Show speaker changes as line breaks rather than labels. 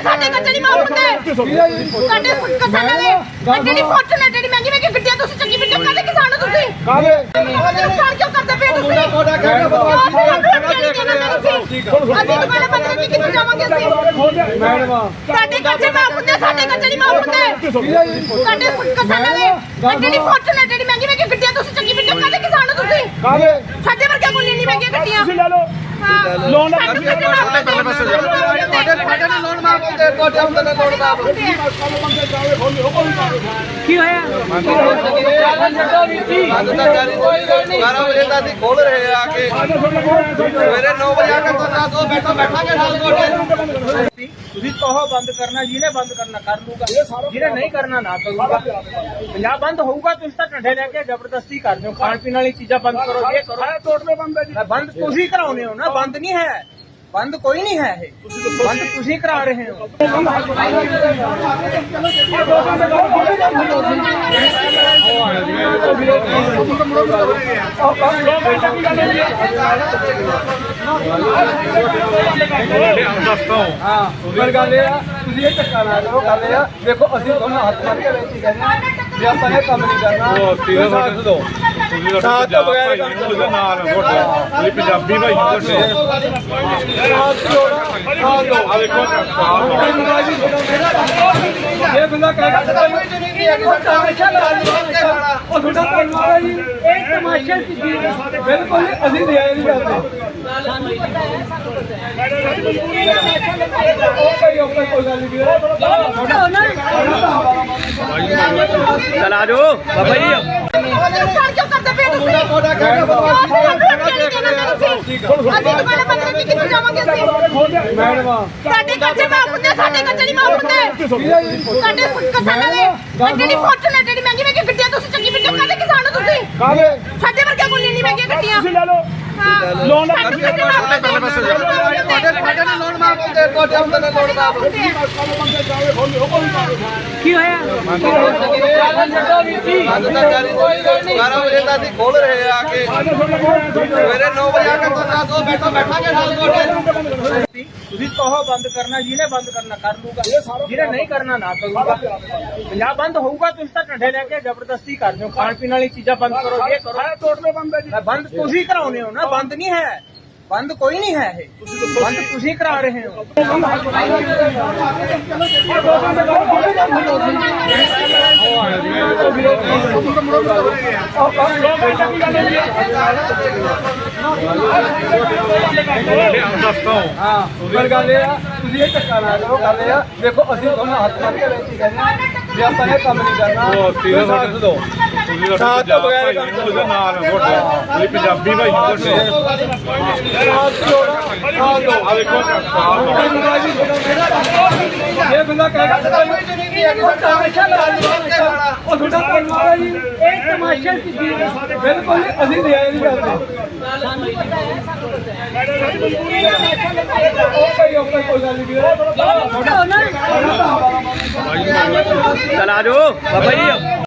ਸਾਡੇ ਕੱਚੇ ਨਹੀਂ ਮਾਫ ਹੁੰਦੇ ਸਾਡੇ ਕਿਸਾਨਾਂ ਦੇ ਜਿਹੜੀ ਫੋਰਚੂਨਰ ਜਿਹੜੀ ਮਹਿੰਗੀ ਮਹਿੰਗੀ ਗੱਡੀਆਂ ਤੁਸੀਂ ਚੰਗੀ ਵੀਡੀਓ ਕਰਦੇ ਕਿਸਾਨ ਹੋ ਤੁਸੀਂ ਨੁਕਸਾਨ ਕਿਉਂ ਕਰਦੇ ਪਏ ਤੁਸੀਂ ਅਸੀਂ ਦੁਬਾਰਾ ਬੰਦੇ ਦੀ ਕਿੱਥੇ ਜਾਵਾਂਗੇ ਅਸੀਂ ਸਾਡੇ ਕੱਚੇ ਮਾਫ ਹੁੰਦੇ ਸਾਡੇ ਕੱਚੇ ਨਹੀਂ ਮਾਫ ਹੁੰਦੇ ਸਾਡੇ ਕਿਸਾਨਾਂ ਦੇ ਜਿਹੜੀ ਫੋਰਚੂਨਰ ਜਿਹੜੀ ਮਹਿੰਗੀ ਮਹਿੰਗੀ ਗੱਡੀਆਂ ਤੁਸੀਂ ਚੰਗੀ ਵੀਡੀਓ ਕਰਦੇ ਕਿਸਾਨ ਹੋ ਤੁਸੀਂ ਸਾਡੇ ਵਰਗੇ ਕੋਲ ਨਹੀਂ ਮਹਿੰਗੀਆਂ ਗੱਡੀਆਂ
ਲੋਨ
ਕੀ ਹੋਇਆ
ਖੋਲ ਰਹੇ ਆ ਕੇ ਸਵੇਰੇ 9 ਵਜੇ ਆ ਕੇ ਤੋਂ ਬੈਠਾਂਗੇ
ਤੁਸੀਂ ਕਹੋ ਬੰਦ ਕਰਨਾ, ਜਿਹਨੇ ਬੰਦ ਕਰਨਾ ਕਰ ਲੂਗਾ, ਜਿਹਨੇ ਨਹੀਂ ਕਰਨਾ ਨਾ ਕਰੂਗਾ। ਪੰਜਾਬ ਬੰਦ ਹੋਊਗਾ ਤੁਸੀਂ ਤਾਂ ਢੰਡੇ ਲੈ ਕੇ ਜ਼ਬਰਦਸਤੀ ਕਰਦੇ ਹੋ, ਖਾਣ ਪੀਣ ਵਾਲੀ ਚੀਜ਼ਾਂ ਬੰਦ ਕਰੋ, ਇਹ ਕਰੋ ਤੋੜਨੇ ਬੰਦ ਤੁਸੀਂ ਕਰਾਉਨੇ ਹੋ ਨਾ, ਬੰਦ ਨਹੀਂ ਹੈ, ਬੰਦ ਕੋਈ ਨਹੀਂ ਹੈ, ਇਹ ਬੰਦ ਤੁਸੀਂ ਕਰਾ ਰਹੇ ਹੋ।
ਪਰ ਗੱਲ ਇਹ ਆ ਤੁਸੀਂ ਇਹ ਧੱਕਾ ਨਾ ਕਰੋ। ਗੱਲ ਇਹ ਆ ਦੇਖੋ ਅਸੀਂ ਤੁਹਾਨੂੰ ਹੱਥ ਮਾਰ ਕੇ ਬੇਨਤੀ ਕਰਦੇ ਵੀ ਆਪਾਂ ਇਹ ਕੰਮ ਨਹੀਂ ਕਰਨਾ। ਸਾਥ ਦਿਓ ਸਾਥ ਤੋਂ ਬਗੈਰ ਕੰਮ
ਨਾਲ ਤੁਹਾਡੇ ਪੰਜਾਬੀ ਭਾਈ ਆ ਦੇਖੋ
ਇਹ ਬੰਦਾ ਕਹਿੰਦਾ ਉਹ ਤੁਹਾਡਾ ਕਰਨਾ ਜੀ
ਇਹ ਤਮਾਸ਼ਾ ਕੀ
ਬਿਲਕੁਲ ਅਸੀਂ ਰਿਆਇ ਨਹੀਂ ਕਰਦੇ। ਕੋਈ ਗੱਲ ਨਹੀਂ
ਚਲ ਆ ਜਾਓ ਬਾਬਾ ਜੀ
ਨੁਕਸਾਨ ਕਿਉਂ ਕਰਦੇ ਪਏ ਤੁਸੀਂ ਅਸੀਂ ਦੁਬਾਰਾ ਬੰਦੇ ਦੀ ਕਿੱਥੇ ਜਾਵਾਂਗੇ ਅਸੀਂ ਸਾਡੇ ਕੱਚੇ ਮਾਫ ਹੁੰਦੇ ਸਾਡੇ ਕੱਚੇ ਨਹੀਂ ਮਾਫ ਹੁੰਦੇ ਸਾਡੇ ਕਿਸਾਨਾਂ ਦੇ ਜਿਹੜੀ ਫੋਰਚੂਨਰ ਜਿਹੜੀ ਮਹਿੰਗੀ ਮਹਿੰਗੀ ਗੱਡੀਆਂ ਤੁਸੀਂ ਚੰਗੀ ਵੀਡੀਓ ਕਰਦੇ ਕਿਸਾਨ ਹੋ ਤੁਸੀਂ ਸਾਡੇ ਵਰਗੇ ਕੋਲ ਨਹੀਂ ਮਹਿੰਗੀਆਂ ਗੱਡੀਆਂ
ਲੋਨ
ਕੀ ਹੋਇਆ
ਖੋਲ ਰਹੇ ਆ ਕੇ ਸਵੇਰੇ 9 ਵਜੇ ਆ ਕੇ ਤੋਂ ਬੈਠਾਂਗੇ
ਤੁਸੀਂ ਕਹੋ ਬੰਦ ਕਰਨਾ, ਜਿਹਨੇ ਬੰਦ ਕਰਨਾ ਕਰ ਲੂਗਾ, ਜਿਹਨੇ ਨਹੀਂ ਕਰਨਾ ਨਾ ਕਰੂਗਾ। ਪੰਜਾਬ ਬੰਦ ਹੋਊਗਾ ਤੁਸੀਂ ਤਾਂ ਢੰਡੇ ਲੈ ਕੇ ਜ਼ਬਰਦਸਤੀ ਕਰਦੇ ਹੋ, ਖਾਣ ਪੀਣ ਵਾਲੀ ਚੀਜ਼ਾਂ ਬੰਦ ਕਰੋ, ਇਹ ਕਰੋ ਤੋੜਨੇ ਬੰਦ ਤੁਸੀਂ ਕਰਾਉਨੇ ਹੋ ਨਾ, ਬੰਦ ਨਹੀਂ ਹੈ, ਬੰਦ ਕੋਈ ਨਹੀਂ ਹੈ, ਇਹ ਬੰਦ ਤੁਸੀਂ ਕਰਾ ਰਹੇ ਹੋ।
ਪਰ ਗੱਲ ਇਹ ਆ ਤੁਸੀਂ ਇਹ ਧੱਕਾ ਨਾ ਕਰੋ। ਗੱਲ ਇਹ ਆ ਦੇਖੋ ਅਸੀਂ ਤੁਹਾਨੂੰ ਹੱਥ ਮਾਰ ਕੇ ਬੇਨਤੀ ਕਰਦੇ ਵੀ ਆਪਾਂ ਇਹ ਕੰਮ ਨਹੀਂ ਕਰਨਾ। ਸਾਥ ਦਿਓ ਸਾਥ ਤੋਂ ਬਗੈਰ ਕੰਮ
ਨਾਲ ਤੁਹਾਡੇ ਪੰਜਾਬੀ ਭਾਈ
ਆ ਦੇਖੋ ਇਹ ਬੰਦਾ ਕਹਿੰਦਾ ਉਹ ਤੁਹਾਡਾ ਕਰਨਾ ਜੀ
ਇਹ ਤਮਾਸ਼ਾ ਕੀ
ਬਿਲਕੁਲ ਅਸੀਂ ਰਿਆਇ ਨਹੀਂ ਕਰਦੇ। ਕੋਈ ਗੱਲ ਨਹੀਂ
ਚਲ ਆ ਜਾਓ ਬਾਬਾ ਜੀ